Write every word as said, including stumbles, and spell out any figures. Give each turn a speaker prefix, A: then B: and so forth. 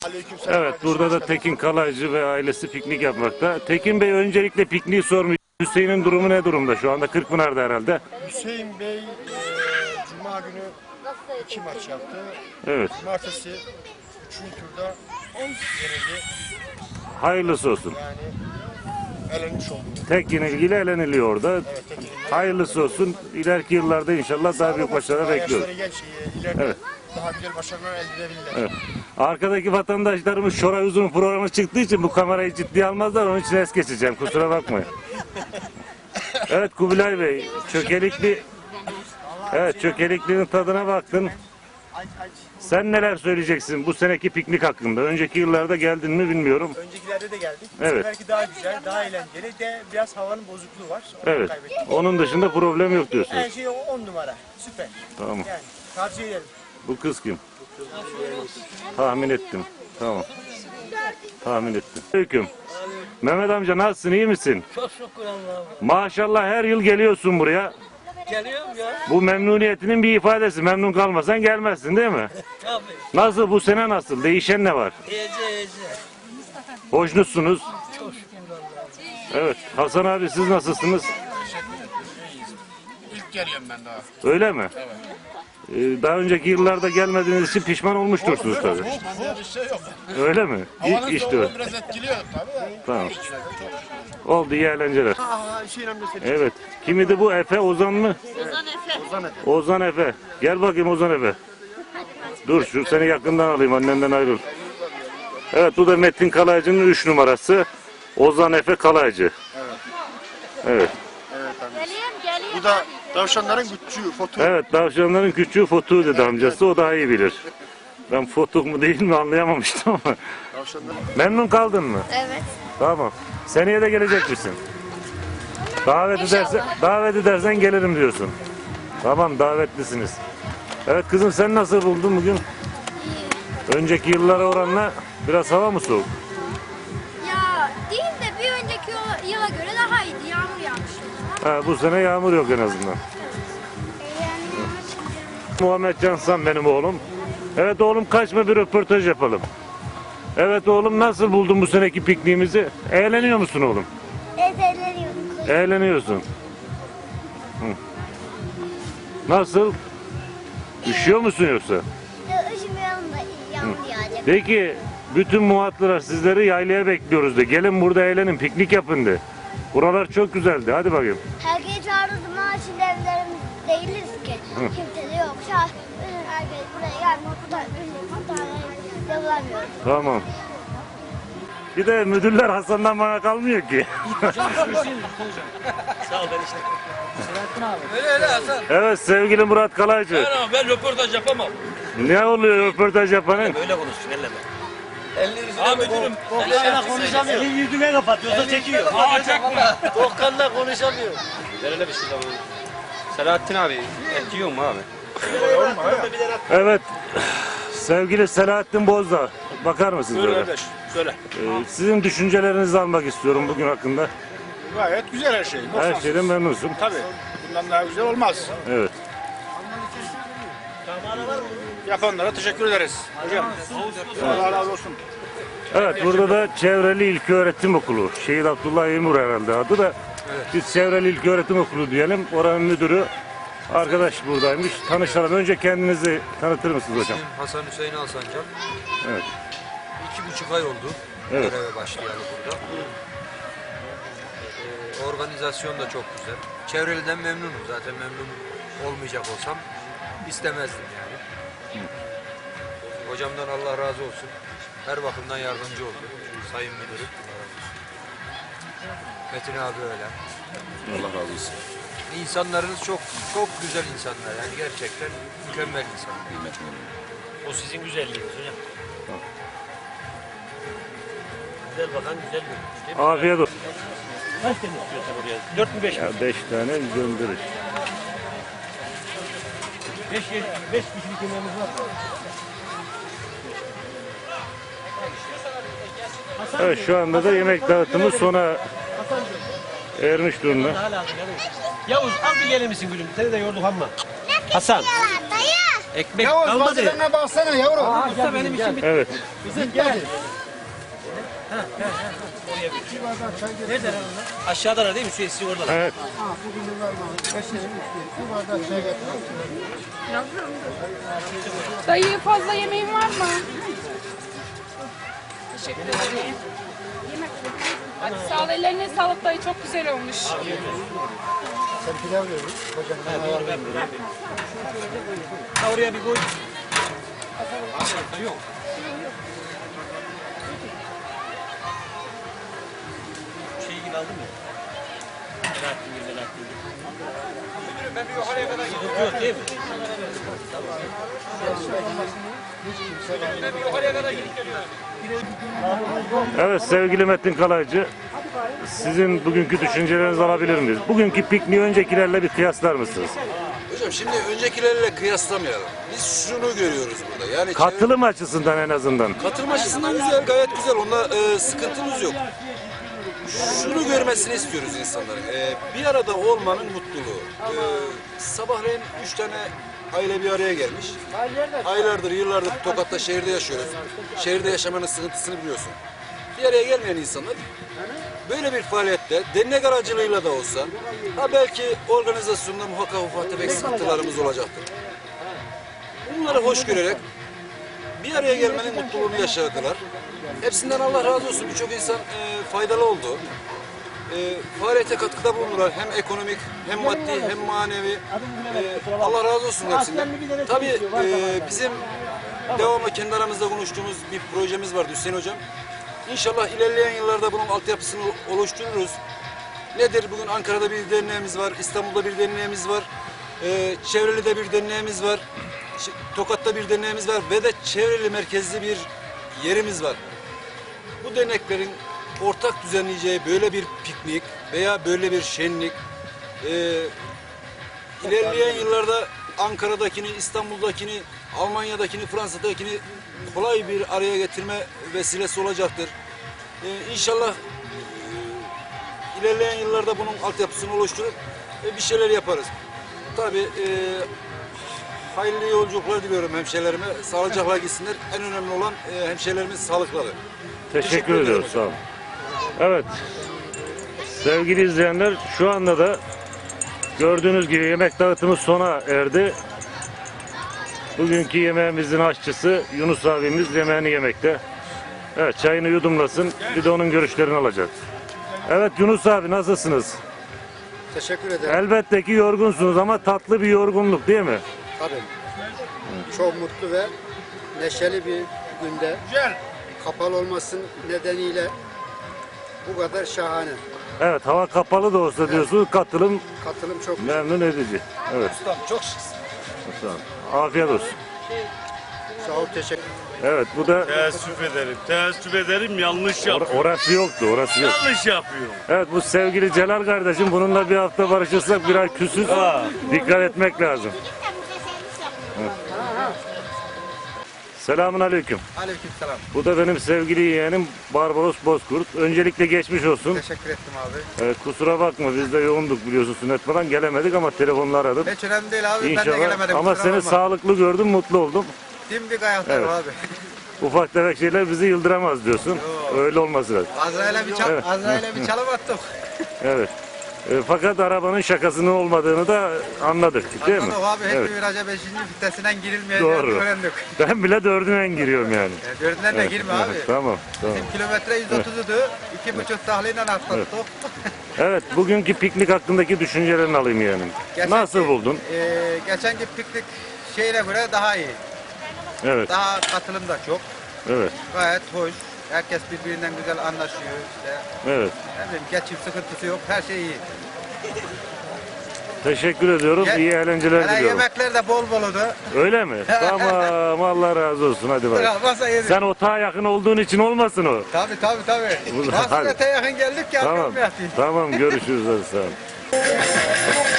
A: Evet, burada da Tekin Kalaycı ve ailesi piknik yapmakta. Tekin Bey öncelikle pikniği sormuş. Hüseyin'in durumu ne durumda şu anda? Kırkpınar'da herhalde.
B: Hüseyin Bey e, Cuma günü iki maç yaptı.
A: Evet.
B: Cumartesi üçüncü turda yenildi.
A: Hayırlısı olsun.
B: Yani elenmiş oldu.
A: Tek yenilgiyle eleniliyor orada.
B: Evet, tek yenilgi.
A: Hayırlısı olsun. İleriki yıllarda inşallah daha büyük başarılar bekliyoruz.
B: Yaşları genç, e, ileride
A: Evet.
B: daha güzel başarılar elde edebilirler.
A: Evet. Arkadaki vatandaşlarımız Şoray Uzun programı çıktığı için bu kamerayı ciddiye almazlar. Onun için es geçeceğim. Kusura bakmayın. Evet Kubilay Bey, çökelikli Evet, çökelikliğin tadına baktın. Sen neler söyleyeceksin bu seneki piknik hakkında? Önceki yıllarda geldin mi bilmiyorum.
C: Öncekilerde de geldik. Bu
A: Evet.
C: seferki daha güzel, daha eğlenceli de biraz havanın bozukluğu var. Onu
A: Evet.
C: kaybettik.
A: Onun dışında problem yok
C: Her
A: diyorsunuz.
C: şey on numara. Süper.
A: Tamam.
C: Yani tavsiye ederim.
A: Bu kız kim? Tahmin ettim. Tamam. Tahmin ettim. Aleyküm. Mehmet amca nasılsın? İyi misin?
D: Çok şükür Allah'a.
A: Maşallah her yıl geliyorsun buraya.
D: Geliyorum ya.
A: Bu memnuniyetinin bir ifadesi. Memnun kalmasan gelmezsin değil mi?
D: Tabii.
A: Nasıl bu sene nasıl? Değişen ne var?
D: İyice iyice.
A: Hoşnutsunuz.
D: Çok şükür Allah'a.
A: Evet. Hasan abi siz nasılsınız?
B: İlk geliyorum ben daha.
A: Öyle mi? Evet. Ee, daha önceki yıllarda gelmediğiniz için pişman olmuştursunuz tabii.
B: Bende bir şey yok.
A: Öyle mi?
B: Havanın
A: İ- işte
B: soğuğu
A: öyle.
B: biraz etkiliyor tabii.
A: Tamam. Oldu, iyi eğlenceler.
B: Aa, Hüseyin amca seçti.
A: Evet. Kimidi bu? Efe, Ozan mı?
E: Ozan Efe.
B: Ozan Efe.
A: Ozan Efe. Gel bakayım Ozan Efe. Dur şu seni yakından alayım, annenden ayrıl. Evet, bu da Metin Kalaycı'nın üç numarası. Ozan Efe Kalaycı. Evet.
E: Geleyim geleyim.
B: Bu da tavşanların küçüğü, foto.
A: Evet, tavşanların küçüğü Fotu dedi amcası. O daha iyi bilir. Ben Fotuk mu değil mi anlayamamıştım ama.
B: Tavşanların.
A: Memnun kaldın mı?
E: Evet.
A: Tamam. Seneye de gelecek misin? Davet edersen, davet edersen gelirim diyorsun. Tamam, davetlisiniz. Evet kızım, sen nasıl buldun bugün? Önceki yıllara oranla biraz hava mı soğuk?
E: Ya değil de bir önceki yıla, yıla göre daha iyiydi. Yağmur yağmıştı.
A: Ha, bu sene yağmur yok en azından. Muhammed Cansan benim oğlum. Evet oğlum, kaçma bir röportaj yapalım. Evet oğlum, nasıl buldun bu seneki pikniğimizi? Eğleniyor musun oğlum?
E: Ezeleniyorum.
A: Eğleniyorsun. Hı. Nasıl? Üşüyor musun yoksa?
E: Üşümüyorum da yağmur yağacak.
A: Peki bütün muhatlılar sizleri yaylaya bekliyoruz de. Gelin burada eğlenin, piknik yapın de. Buralar çok güzeldi. Hadi bakayım.
E: Herkes çağırdım ama şimdi evlerimiz değiliz ki. Kimse de yok. Şah, herkes buraya gelmiyor. Bu da bu da devulamıyor.
A: Tamam. Bir de müdürler Hasan'dan bana kalmıyor ki.
D: Sağ ol ben işte. Öyle öyle Hasan.
A: Evet sevgili Murat Kalaycı.
D: Ben, ben röportaj yapamam.
A: Ne oluyor röportaj yapanın?
D: Böyle konuşsun elleme. Elini yüzüne Aa müdürüm.
C: Doğukan'la konuşamıyor. Elini yüzüne kapatıyor. Yoksa çekiyor.
D: Aa çekme.
C: Doğukan'la konuşamıyor.
F: Ver hele bir şey daha. Selahattin abi, et yiyor mu abi?
A: Evet. Sevgili Selahattin Bozdağ. Bakar mısınız
F: Söyle
A: böyle?
F: kardeş, söyle.
A: Ee, sizin düşüncelerinizi almak istiyorum bugün hakkında.
F: Gayet güzel her şey.
A: Her şeyden memnunsun.
F: Tabii. Bundan daha güzel olmaz.
A: Evet.
F: Yapanlara teşekkür ederiz. Hocam. Allah razı olsun.
A: Evet, burada da Çevreli İlköğretim Okulu. Şehit Abdullah Eymur herhalde adı da. Biz Çevreli İlköğretim Okulu diyelim. Oranın müdürü arkadaş buradaymış. Tanışalım. Önce kendinizi tanıtır mısınız hocam?
G: İsmim Hasan Hüseyin Alsancak.
A: Evet.
G: İki buçuk ay oldu
A: Evet.
G: göreve başlayalı burada. Ee, organizasyon da çok güzel. Çevreliden memnunum. Zaten memnun olmayacak olsam istemezdim yani. Hocamdan Allah razı olsun. Her bakımdan yardımcı oldu. Sayın Müdürüm. Metin abi öyle.
A: Allah razı olsun.
G: İnsanlarınız çok çok güzel insanlar. Yani gerçekten mükemmel insanlar.
D: O sizin güzelliğiniz hocam. Güzel bakan güzel görünüyor değil mi?
A: Afiyet olsun.
D: Kaç tane istiyorsun oraya? Dört mü beş mi?
A: Ya beş tane gönderir.
D: Beş, beş kişilik yemeğimiz var.
A: Evet, şu anda da yemek dağıtımı sona ermiş durumda.
D: Yavuz al bir gelir misin gülüm? Seni de yorduk ama. Hasan.
E: Dayı.
D: Ekmek
B: Yavuz
D: kalmadı.
B: malzemelerine baksana yavrum.
D: Usta benim işim bitti.
A: Evet.
D: Kızım gel. Nerede lan onlar? Aşağıdalar değil mi? Şu eski orada.
A: Evet.
B: Bir bardak çay getir.
H: Dayı fazla yemeğin var mı? Teşekkür ederim. Hadi sağ ol. Ellerine sağlık dayı. Çok güzel olmuş.
B: Sen pilav verin. Hocam ben ayarlayayım.
D: Ha, oraya bir koy. Şey gibi aldın mı? Selahattin gibi, Selahattin gibi. Ben bir yukarıya kadar gidiyorum. Yok değil mi? Ben bir yukarıya kadar gidip geliyorum.
A: Evet sevgili Metin Kalaycı, sizin bugünkü düşüncelerinizi alabilir miyiz? Bugünkü pikniği öncekilerle bir kıyaslar mısınız?
I: Hocam şimdi öncekilerle kıyaslamayalım. Biz şunu görüyoruz burada. Yani
A: Katılım açısından en azından.
I: çevre- katılım açısından güzel, gayet güzel. Onda e, sıkıntımız yok. Şunu görmesini istiyoruz insanların. E, bir arada olmanın mutluluğu. E, sabahleyin üç tane aile bir araya gelmiş. Aylardır, yıllardır Tokat'ta şehirde yaşıyoruz. Şehirde yaşamanın sıkıntısını biliyorsun. Bir araya gelmeyen insanlar böyle bir faaliyette dernek aracılığıyla da olsa ha belki organizasyonda muhakkak ufak tefek sıkıntılarımız olacaktır. Bunları hoş görerek bir araya gelmenin mutluluğunu yaşadılar. Hepsinden Allah razı olsun. Birçok insan e, faydalı oldu. E, faaliyete katkıda bulundular. Hem ekonomik, hem maddi, hem manevi. E, Allah razı olsun hepsinden. Tabii e, bizim devamlı kendi aramızda konuştuğumuz bir projemiz vardı Hüseyin Hocam. İnşallah ilerleyen yıllarda bunun altyapısını oluştururuz. Nedir? Bugün Ankara'da bir derneğimiz var, İstanbul'da bir derneğimiz var, e, Çevreli'de bir derneğimiz var, Ş- Tokat'ta bir derneğimiz var ve de Çevreli merkezli bir yerimiz var. Bu derneklerin ortak düzenleyeceği böyle bir piknik veya böyle bir şenlik e, ilerleyen yıllarda Ankara'dakini, İstanbul'dakini, Almanya'dakini, Fransa'dakini kolay bir araya getirme vesilesi olacaktır. Ee, İnşallah e, ilerleyen yıllarda bunun altyapısını oluşturup e, bir şeyler yaparız. Tabii e, hayırlı yolculuklar diliyorum hemşehrilerime. Sağlıcakla gitsinler. En önemli olan e, hemşehrilerimiz sağlıkları.
A: Teşekkür,
I: Teşekkür ederim
A: ediyoruz. Sağ olun. Evet. Sevgili izleyenler, şu anda da gördüğünüz gibi yemek dağıtımı sona erdi. Bugünkü yemeğimizin aşçısı Yunus abimiz yemeğini yemekte. Evet, çayını yudumlasın. Bir de onun görüşlerini alacak. Evet Yunus abi, nasılsınız?
B: Teşekkür ederim.
A: Elbette ki yorgunsunuz ama tatlı bir yorgunluk değil mi?
B: Tabii. Çok mutlu ve neşeli bir günde. Kapalı olmasının nedeniyle bu kadar şahane.
A: Evet, hava kapalı da olsa diyorsunuz, katılım
B: Katılım çok güzel.
A: memnun edici. Evet.
B: Ustam çok şıksın.
A: Sağ olun. Afiyet olsun.
B: Sağ ol, teşekkür
A: Evet, bu da
J: Teessüf ederim. Teessüf ederim yanlış
A: or-
J: yapıyorum.
A: orası yoktu, orası yok.
J: Yanlış yapıyorum.
A: Evet, bu sevgili Celal kardeşim, bununla bir hafta barışırsak biraz küsüz. Dikkat etmek lazım. Evet. Selamun aleyküm.
B: Aleykümselam.
A: Bu da benim sevgili yeğenim Barbaros Bozkurt. Öncelikle geçmiş olsun.
B: Teşekkür ettim abi.
A: Evet, kusura bakma, biz de yoğunduk biliyorsun, sünnet falan gelemedik ama telefonla aradım.
B: Hiç önemli değil abi. Ben de
A: İnşallah.
B: gelemedim.
A: Ama
B: kusura
A: seni
B: bakma.
A: sağlıklı gördüm, mutlu oldum.
B: Dimdik ayaktayım
A: Evet.
B: abi.
A: Ufak tefek şeyler bizi yıldıramaz diyorsun. Öyle olması lazım.
B: Azrail'e bir, çal
A: Evet.
B: Azrail'e bir çalım attık.
A: Evet. E, fakat arabanın şakasının olmadığını da anladık değil mi?
B: Anladık abi. Hep
A: Evet.
B: bir viraja beşinci vitesinden girilmeyeceğini
A: Doğru.
B: öğrendik.
A: Ben bile dördünden giriyorum yani.
B: Ya dördünden de girme abi.
A: Tamam, tamam.
B: Bizim kilometre yüz otuzudu. iki buçuk tahliyle atlattık.
A: Evet, bugünkü piknik hakkındaki düşüncelerini alayım yani.
B: Geçenki-
A: Nasıl buldun?
B: E, geçenki piknik şeyine göre daha iyi.
A: Evet,
B: Daha katılım da çok.
A: evet,
B: Gayet hoş. Herkes birbirinden güzel anlaşıyor. İşte,
A: evet.
B: ne bileyim, geçim sıkıntısı yok. Her şey iyi.
A: Teşekkür ediyorum.
B: Ye-
A: İyi eğlenceler
B: Hele
A: diliyorum.
B: yemekler de bol bol oldu.
A: Öyle mi? Tamam, Allah razı olsun. Hadi bak.
B: Masa yedik.
A: Sen otağa yakın olduğun için olmasın o.
B: Tabii tabii tabii.
A: Hadi.
B: Nasıl öte yakın geldik ki
A: Tamam,
B: arkamı yatayım.
A: tamam görüşürüz hadi sağ ol.